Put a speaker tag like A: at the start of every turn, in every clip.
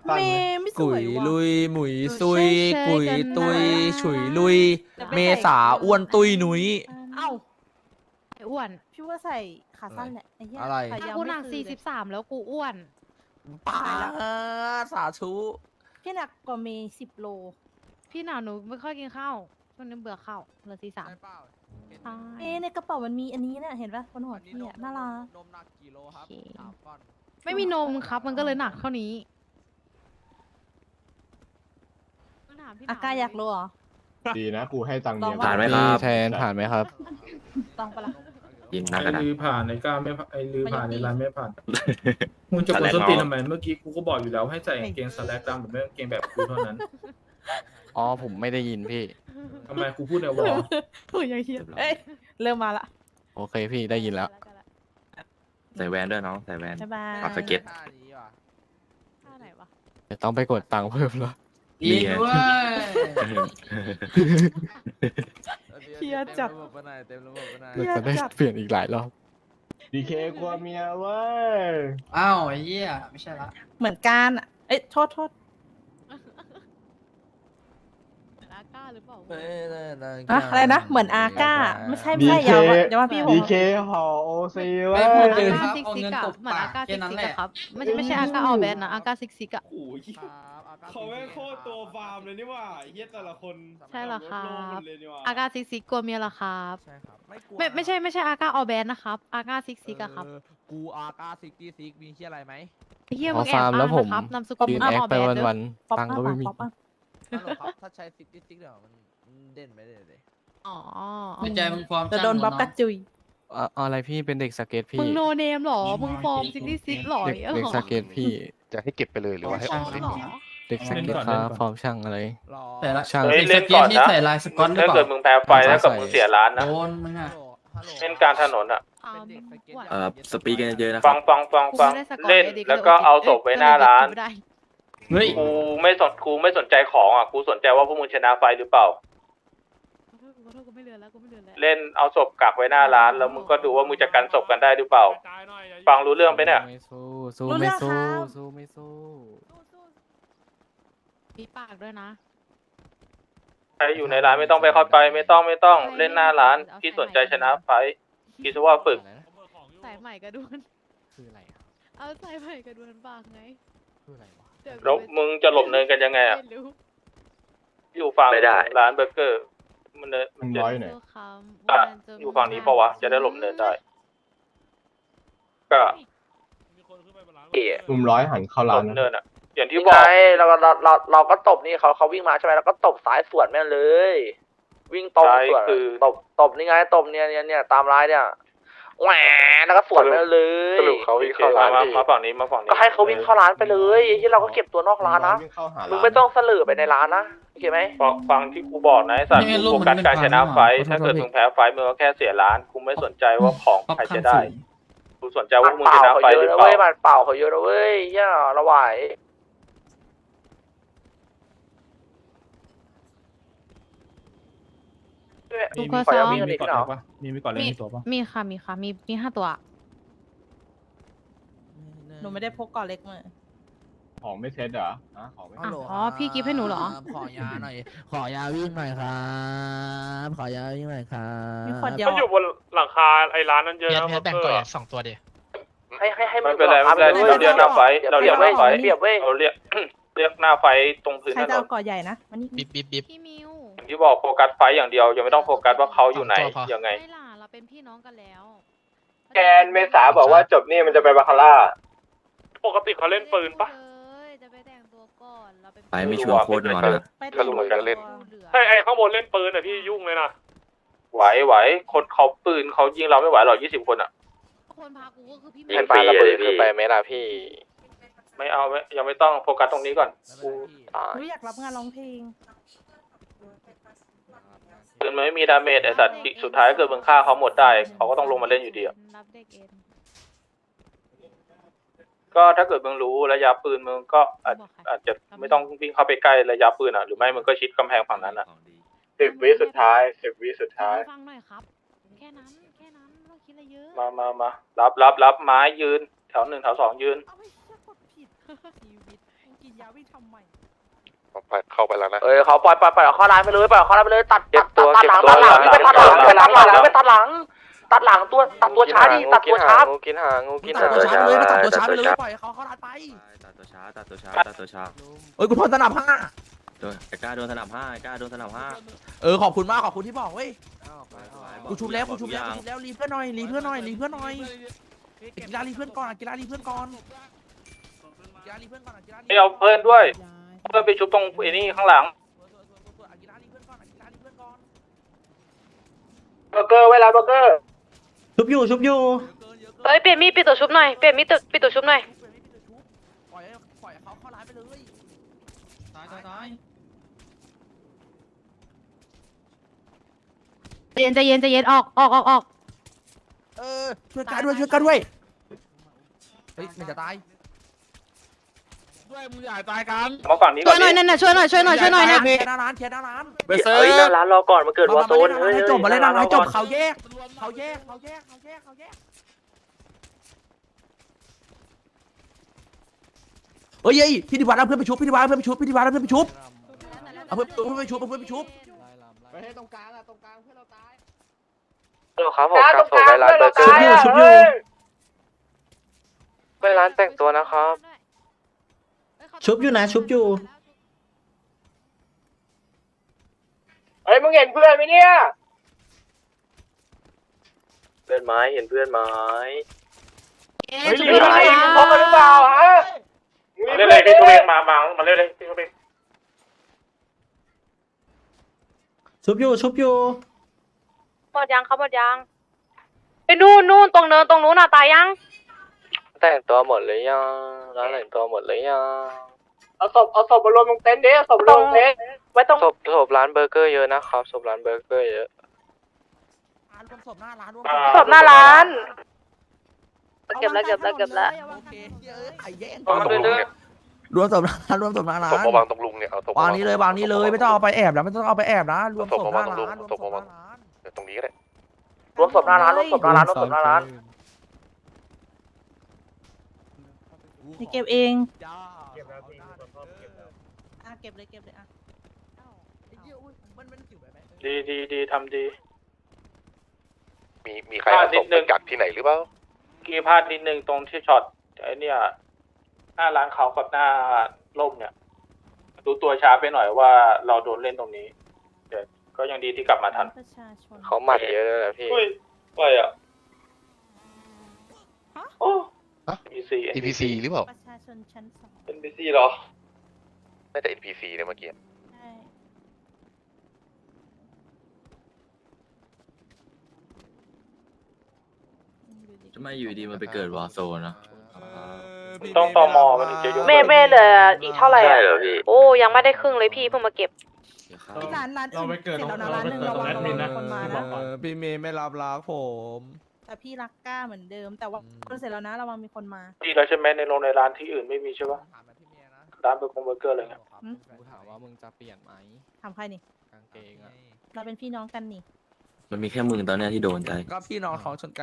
A: สั้น
B: เม
A: ไหม
B: ย์ไม่ส
C: กุ
B: วย ยว่ะ
C: ลุยหมุยซุย
D: เชยๆ
C: กุย
D: กัน
C: ตุย
D: นะ
C: ฉุยลุย
B: จะไป
C: เม
B: ใส่
C: ษาอ้วนตุยหนุย
B: เอ้า
D: ไอ้อ้วน
B: พี่ว่าใส่ขาสั้นแหละไอ้เหี้ย
C: อะไร
B: ขา
D: ถ้าย
B: าว
D: กู
B: ไม่
D: หนัก
B: คือเลย
D: 43แล้วกูอ้วน
C: ป้าสาธุ
B: พี่หนักกว่าเมย์10 โล
D: พี่หนาวหนูไม่ค่อยกินข้าวช่วงนี้เบื่อข้าวเหลือ43
C: ใช่เปล่า
D: ใช่
B: เอ๊ะในกระเป๋ามันมีอันนี้เนี่ยเห็นปะบนหัวพี่อะน่ารัก
C: นมหนักกี่โลครับ
D: โอเค
C: 3 ก้อน
D: ไม่มีนมครับ มันก็เลยหนักเท่านี้ถามพี่หน
B: อากาอยากรู้เหรอ
A: ดีนะกูให้ตังค์เมีย
B: ลอง
E: ผ่านไหม
A: กู
E: ครับ
F: แทนผ่านไหมครับ
B: ต้องปะล่ะ
E: ยิงหน้ากระดาษ
G: ลือผ่านในก้าไม่ผ่านไอ้ลือผ่าน
B: มัน
G: ใน
B: ยังดี
G: ร้านไม่ผ่านมึงจะกด
E: สแลก
G: ส้นตีน
E: เนาะ
G: ทำไมเมื่อกี้กูก็บอกอยู่แล้วให้ใส่กางเกงสแลกดำแบบไม่กางเกงแบบกูเท่านั้น
F: อ๋อผมไม่ได้ยินพี่
G: ทำไมกูพูดในวอล
B: ถูกอย่างเฮียเอ้ยเริ่มมาละ
F: โอเคพี่ได้ยินแล้ว
E: ใส่แวนด้วยน้องใส่แวน
B: บ๊ายบาย
E: ปรับสเก็ต
C: ท่านี้ว่ะ
D: ท่าไหนวะ
F: เดี๋ยวต้องไปกดตังค์เพิ่มแล้ว
E: นี่ไง
B: เฮียจัด
C: เต็มระบบไปไหน
B: เหี้
F: เรา
B: ย
F: จะได้
B: จัด
F: เปลี่ยนอีกหลายรอบ
A: ดีเคกลัวเมียเว้ย
H: อ้าวไอ้เหี้ยไม่ใช่ละ
B: เหมือนกันอะเอ้ยโทษ
D: เหมือนอาก้าหรือเปล่า
B: อะอะไรนะเหมือนอาก้าไม่ใช่ไม่ใช่อย่าว่าพี่ผม
A: ดีเคห่อโอซีเว้
H: ไม่
A: ย
H: พูด
D: อา
H: เลย
D: ก้า
H: ครับ
D: ซิก
H: เอา
D: ซิก
H: เงิน
D: อะ
H: ตบ
D: เหมือน
H: ปา
D: อาก ก้า
H: แค่
D: ซิก
H: นั้น
D: ซิก
H: แหละ
D: อะครับไม่ใช่อาก้าออแบนนะอาก้าซิกซิกอะ
H: โอ้ย
I: เขาไม่งโคตรตัวฟาร์มเลยนี่หว่าไอ้เฮียแต่ละคน
D: ใช่เหรอครับ
I: โลกหมดเลยนี่หว่า
D: อาก้าซิกซิกกลัวเมียเหรอครับ
C: ใช่ครับไม่กลัว
D: ไม่ใช่อาก้าออแบนนะครับอาก้าซิกซิกอะครับ
C: กูอาก้าซิกตี้ซิกมีเชี่ยอะไรไหม
D: ไอ้เฮีย
F: พ
D: มึ
F: อง
D: แอบ
F: ฟาร์มแล้ว
D: อ้าง
F: ผม
D: นะครับนามสกุล
F: ยืน
D: อ้าง
F: แอค
D: ออ
F: ไป
D: แบนเด้อ
F: วัน
B: ป๊อป
F: ๆตังค์ก็ไม่มี
B: ป๊อปอะ
C: ฮัลโหลครับถ้าใช้ซิกตี้ซิกเดี๋ยวมันเด่นไปเลย
D: อ๋อ
H: ในใจมึงความ
B: จะโดนบัฟกระจุย
F: อะไรพี่เป็นเด็กสเก็ตพี่
D: มึงโนเนมหรอมึงฟอร์มซิกซิกหรอ
F: เด็กเด็กสเก็ตพี่
A: จะให้เก็บไปเลยหรือว่าให้ออก
D: หรอ
F: เด็กสเก็ตครับฟอร์มช่างอะไร
C: รอ
H: แต่ละ
F: ช่าง
H: เด็กสเก็ตนี่ใส่ลายสก๊อตหรือ
E: ถ้า
H: เป
E: เกิด
H: ล่า
E: มึงแพ้ไฟแล้วกับมึงเสียร้านนะ
H: โดนมึงอ่ะ
C: ฮัลโหล
E: เล่นกลารถนนอ่ะ
C: เป็นเด็กสเก็ต
E: สปีกกันเยอะๆนะ
D: ฟั
E: ฟั
D: ง
E: งฟังฟัง
D: กู
E: ฟัง
D: ไม่ได้สกอร์
E: เล่น
D: ไอ้ด็
E: แล้วก็เอาศพไว้หน้าร้าน
D: ไม่ได้
H: เฮ้ย
E: กูไม่สนใจของอ่ะกูสนใจว่าพวกมึงชนะไฟหรือเปล่า
D: ขอโทษกูไม่เลือนแล้วกูไม่เลือนแล้ว
E: เล่นเอาศพกักไว้หน้าร้าน แล้วมึงก็ดูว่ามึงจะกันศพกันได้หรือเปล่า ฟังรู้เรื่องไปเนี่ย
F: ไม่สู้สู้
B: รู้เรื่
F: ไม่
B: อง
F: สู้
B: ครับ
F: สู้ไม่สู้
D: มีปากด้วยนะ
E: ใครอยู่ในร้านไม่ต้องไปเข้าไปไม่ต้องเล่นหน้าร้านพี่สนใจชนะไฟพี่จะว่าฝึก
D: สายใหม่กระดวน
F: คืออะไรครับ
D: เอาสายใหม่กระดวนปากไง
F: คืออะไรวะ
D: เดี๋ย
E: แล้วมึงจะหลบเนินกันยังไงอ่ะ
D: ไม่รู้
E: อยู่ฝั่ง ไม่ได้ร้านเบอร์เกอร์มันเนิน
A: มึงร้อยหน่อย
D: ตัวคำ
E: อ่ะ
D: วันจน
E: อยู่ฝั่งนี้ปะวะจะได้หลบเนินได้ ก็
A: มุมร้อยหันเข้า
E: หล
A: ร้าน
E: บ
A: นะ
E: เนินอ่ะ อย่างที่บอกเราก็ตบนี่เขาวิ่งมาใช่ไหมเราก็ตบซ้ายสวนแม่งเลย วิ่งตรงสวนตบนี่ไงตบเนี่ยตามร้ายเนี่ยแหวแล้วก็สวนแม่งเลยสรุปเขาวิ่งเข้าร้านมาฝั่งนี้ก็ให้เขาวิ่งเข้าร้านไปเลยที่เราก็เก็บตัวนอกร้านนะ
A: วิ่งเข้าหา
E: มึ
A: ร้าง น
E: ไม่ต้องเสลือไปในร้านนะโอเคไหมฟังที่กูบอกนะไอ้สัตว์
H: ไม่งั้น
E: กู
H: รู
E: โฟ
H: ปมัน
E: กัส
H: เป็น
E: การชนะ
H: พัง
E: ไฟ
H: อ่ะ
E: ถ้าเกิดมึงแพ้ไฟมึงก็แค่เสียร้านกูไม่สนใจว่าของใครจะได้กูสนใจว่ามึงชนะไฟหรือเปล่ามันเปล่าเขาเยอะนะเว้ยเฮียระไหว
D: กูก็ซ้อม
G: มีก่อนเลยปะมีก่อนเลยมีตัวปะ
D: มีค่ะมี5 ตัว
B: หนูไม่ได้พกก่อนเล็กมา
A: ของไม่เซ็ตเหรอของไม่
D: อ่ะอ๋อพี่กิฟต์ให้หนูเหรอ
C: ขอยาหน่อย ขอยาวิ่งหน่อยครับขอยาวิ่งหน่อยครับ
B: มีขวดเดียว
G: ก็อยู่บนหลังคาไอ้ร้านนั้นเยอะนะ
I: แบ่งก่อน2 ตัวดิ
E: ให้มันเป็นไรไม่เป็นไรเราเรียกหน้าไฟเราเรียกหน้าไฟเราเรียกหน้าไฟตรงพื้น
B: ใคร
E: ถ
B: จะ
E: น
B: เอา
E: น
B: ก่อใหญ่นะวันนี้
I: บิ๊บ
D: พี่มิว
E: อย่างที่บอกโฟกัสไฟอย่างเดียวยังไม่ต้องโฟกัสว่าเขาอยู่ไหน
I: สองตัวพอ
E: ยังไง
D: ไม่ล่ะเราเป็นพี่น้องกันแล้ว
A: แกนเมษาบอกว่าจบนี่มันจะไปบาคาร่า
G: ปกติเขาเล่นปืนปะ
D: เลยจะไปแต่งตัวก่อนเราเป็น
E: ไปไม่ชวนโคตรนอนนะ
B: ไปแต่งตัว
G: ไอ้ข้างบนเล่นปืนอ่ะพี่ยุ่งเลยนะ
E: ไหวคนเขาปืนเขายิงเราไม่ไหวหรอก20 คนอ่ะ
D: คนพากูก็คือพี่
E: ยิงปลาระเบิดคือไปไหม
F: ล่ะพี่
E: ไม่เอาไม่ยังไม่ต้องโฟกัสตรงนี้ก่อนกู
B: หนูอยากรับงานร้องเพลง
E: ปืนมันไม่มีดาเมจไอสัตว์สุดท้ายเกิดมึงฆ่าเขาหมดได้เขาก็ต้องลงมาเล่นอยู่ดีอะ
D: รับเด็กเอ็น
E: ก็ถ้าเกิดมึงรู้ระยะปืนมึงก็อาจจะไม่ต้องวิ่งเข้าไปใกล้ระยะปืนอ่ะหรือไม่มึงก็ชิดกำแพงฝั่งนั้นอ่ะ
A: 10 วิสุดท้าย10 วิสุดท้าย
D: ฟังหน่อยครับ แค่นั้นไม่ต้องคิดอะไรเยอะ
E: มารับไม้ยืนแถว1 แถว 2ยืน
B: เอาไปเชี่ยกดผิด
D: ชีวิตกิน
B: ยาวิ่งทำไม
J: เข้าไปแล้วนะ
E: เอ้ยเขาปล่อยเข้าร้านไปเลยปล่อยเข้าร้านไปเลยตัด
A: เก็บตัว
E: ตัดหลัง
A: เก็บตัว
E: ไปตัดหลังไปตัดหลังไปตัดหลังตัดหลังตัวช้าดิตัดตัวช้า
A: งูกินหางงูกิน
C: ตั
A: หา
C: ด
A: ง
C: ตัวช้าไปเลยตัดตัวช้าไปเลยปล่อยเขาเข้าร้านไป
F: ตัดตัวช้าตัดตัวช้าตัดตัวช้า
C: เอ้ยกูทนสนับห้า
F: ไอ้กล้าโดนสนับห้าไอ้กล้าโดนสนับห้า
C: ขอบคุณมากขอบคุณที่บอกเว้ยกูชุบแล้วรีเพื่อนหน่อยรีเพื่อนหน่อยกีฬารีเพื่อนก่อนกีฬารีเพื่อนก่อนกีฬารีเพื่อนก่อนกีฬารี
A: เอาเพื่อนด้วยเพื่อนไปชุบตรงไอ้นี่ข้างหลัง
C: กีฬารีเพื่อนก่อนกีฬารีเพื่อนก่อน
A: เบอร์เกอร์เวลาเบอร์เกอร์
H: ชุบอยู่
D: เอ้ยเปลี่ยนมีดปิดตัวชุบหน่อยเปลี่ยนมีดปิดตัวชุบหน่อย
C: ปล่อยเขาเข้าร้านไปเลย
H: ตาย
D: ใจเย็นออก
C: ช่วยกันด้วยเฮ้ยมันจะตายด้วยมึงอย่าตายกัน
A: มาฝั่งนี้ก่
D: ช่
A: อ
D: วน ยหน่อยนั่นน่ะช่วยหน่อยนะ
C: เคลียร์หน้าร้านเคลียร์หน้าร้าน
E: เฮ้ยหน้าร้านรอก่อนมาเกิดวอร์โซน
C: ให้จบมาเล่นหน้าร้านจบเขาแยกเฮ้ยพี่ดิวานเอาเพื่อนไปชุบเอาเพื่อนไปชุบ
J: ไปให้ตรงกลางอะตรงกลางเพื่อนเราตาย
A: ครับผมกลางส่งไปร้านเบอร์เกอร์
H: ชุบอยู่
A: ไปร้านแต่งตัวนะครับ
H: ชุบอยู่นะชุบอยู่
A: เฮ้ยมึงเห็นเพื่อนไหมเนี่ยเพื่อนไม้เห็นเพื่อนไม้
D: เอ๊ะชุบอยู่นะ
A: พบกันหรือเปล่าฮะเล่นเลยพี่ชูเองมาเล่นเลยพี่ชูเอง
H: ชุบอยู่
D: หมดยังเขาหมดยังไปนู่นตรงเนินตรงนู้นน่ะตายยัง
A: แต่งตัวหมดเลยยังร้านแต่งตัวหมดเลยยังเอาศพมารวมตรงเต็นท์ดิศพรวมเต็นท์ไว้ตรงศพร้านเบอร์เกอร์เยอะนะครับศพร้านเบอร์เกอร์เยอะ
C: รวมศพหน้าร้าน
D: ศพหน้าร้านเก็บแล้ว
C: โอเคไอ้แย่ง
A: วางตรงลุงเนี่ย
C: รวมศพหน้าร้าน
J: ศพมาวางตรงลุงเนี่ยเอาศพ
C: วางนี้เลยไม่ต้องเอาไปแอบนะรวมศพหน้าร้าน
J: ตรงนี้ก็ได้
E: รวมศพหน้าร้าน
B: นี่เก็บเองเก็บเลยอ่ะ
A: ดีทำดี
J: มีใครเอาศพไปกักที่ไหนหรือเปล่า
A: กี่พลาดนิดนึงตรงที่ช็อตไอ้เนี่ยหน้าร้านเขากับหน้าร่มเนี่ยดูตัวช้าไปหน่อยว่าเราโดนเล่นตรงนี้แต่ก็ยังดีที่กลับมาทัน
B: ประชาชน
A: เขาหมัดเยอะเลยนะพี่ไปอ่ะโอ้
J: NPC หรือเปล่า
B: ประชาชนชั้นสอง
A: NPC เหรอ
J: น่าจะ NPC เนี่ยเมื่อกี้
B: ใช่
F: ทำไมอยู่ดีมันไปเกิดวอร์โซนนะ
A: ต้องตมมันถึงจะยก
D: เมย์เหลืออีกเท่าไหร่
A: ใช่
D: อ่ะ
A: เหรอพี่
D: โอ้ยังไม่ได้ครึ่งเลยพี่เพิ่งมาเก็บ
B: ร้านอื่นเสร็จแล้วนะร้านหนึ่งระวังคนมานะ
F: พี่เมย์ไม่รับรักผม
B: แต่พี่รักกล้าเหมือนเดิม แต่ว่าเสร็จแล้วนะระวังมีคนมา
A: ดีแล้วใช่ไหมในโรงในร้านที่อื่นไม่มีใช่ปะร้านเบอร์เกอร์อะไรเงี้ย
F: กูถามว่ามึงจะเปลี่ยนไหม
B: ถามใครนี่
F: กางเกงอ่ะ
B: เราเป็นพี่น้องกันนี่
F: มันมีแค่มึงตอนนี้ที่โดนใจ
C: ก็พี่น้องท้องชนกัน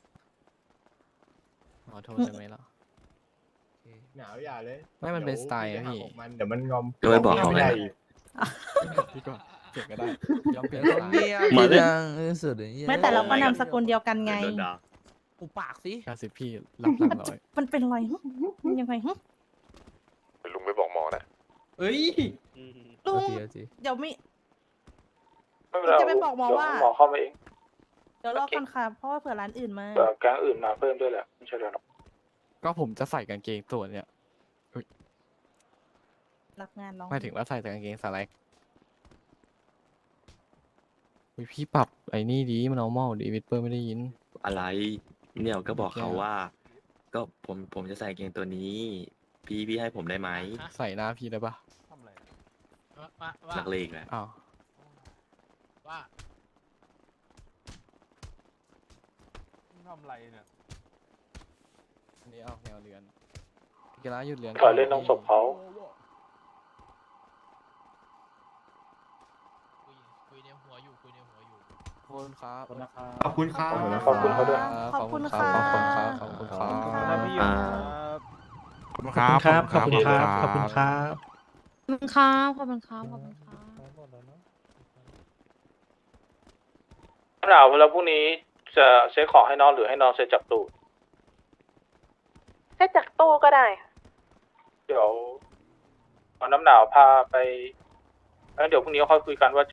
F: ขอโทษได้ไหมล่ะ
J: หนาวอย่าเลย
F: ไม่มันเป็นสไตล์อะพี่
J: เดี๋ยวมันงอม
F: ก็ไม่บอกเขาไง
J: พี่ก่อนเปลี่ยนก็ได้
F: ยอมเปลี่ยนสไตล์
C: มาเลยสุด
B: ไม่แต่เราก็นามสกุลเดียวกันไง
C: อุปากสิ
F: 90พี่รับหลังร้อย
B: มันเป็นไรมันยังไง
J: ลุงไปบอกหมอนะ
H: เอ้ย
B: ลุง
F: จี
B: เดี๋ยวไม่
A: ไม่เป็นไร
B: จะไปบอกหมอว่า
A: หมอเข้ามาเอง
B: เดี๋ยวรอก่อนค่ะ เพราะว่าเผื่อร้านอื่นมา
A: แต่แก๊งอื่นมาเพิ่มด้วยแหละไม่ใช่หรอก
F: ก็ผมจะใส่กางเกงตัวเนี่ย
B: รับงานร้อง
F: หมายถึงว่าใส่แต่กางเกงสแลกพี่ปรับไอ้นี่ดีมันเอาเมาดีวิดเปอร์ไม่ได้ยิน
K: อะไรเนี่ยก็บอกเขาว่า ก็ผมจะใส่เกงตัวนี้ พี่ให้ผมได้ไหม
F: ใส่หน้าพี่ได้ปะ
K: นักเลงแหละ
F: อ้าว
J: ทำไรเนี่ย
F: อันนี้ออกแนวเรือนกีฬาหยุดเรือน
A: ขอเล่นต้องศพเขา
F: ขอบคุณครับ
H: ขอบคุณครับ
A: ขอบคุณเขาด้วย
B: ขอบคุณค่ะ
F: ขอบคุณครับ
B: ขอบคุณค่ะ
K: อ่า
C: ขอบคุณ
H: ขอบคุณครับ ขอบคุณครับ ขอบคุณครับ
D: ขอบคุณครับขอบคุณครับขอบคุณครับ
A: หนาวแล้วพรุ่งนี้จะเช็คของให้น้องหรือให้น้องเซ็ตจากตู้
D: ให้จากตู้ก็ได้
A: เดี๋ยวเอาน้ำหนาวพาไปแล้วเดี๋ยวพรุ่งนี้ค่อยคุยกันว่า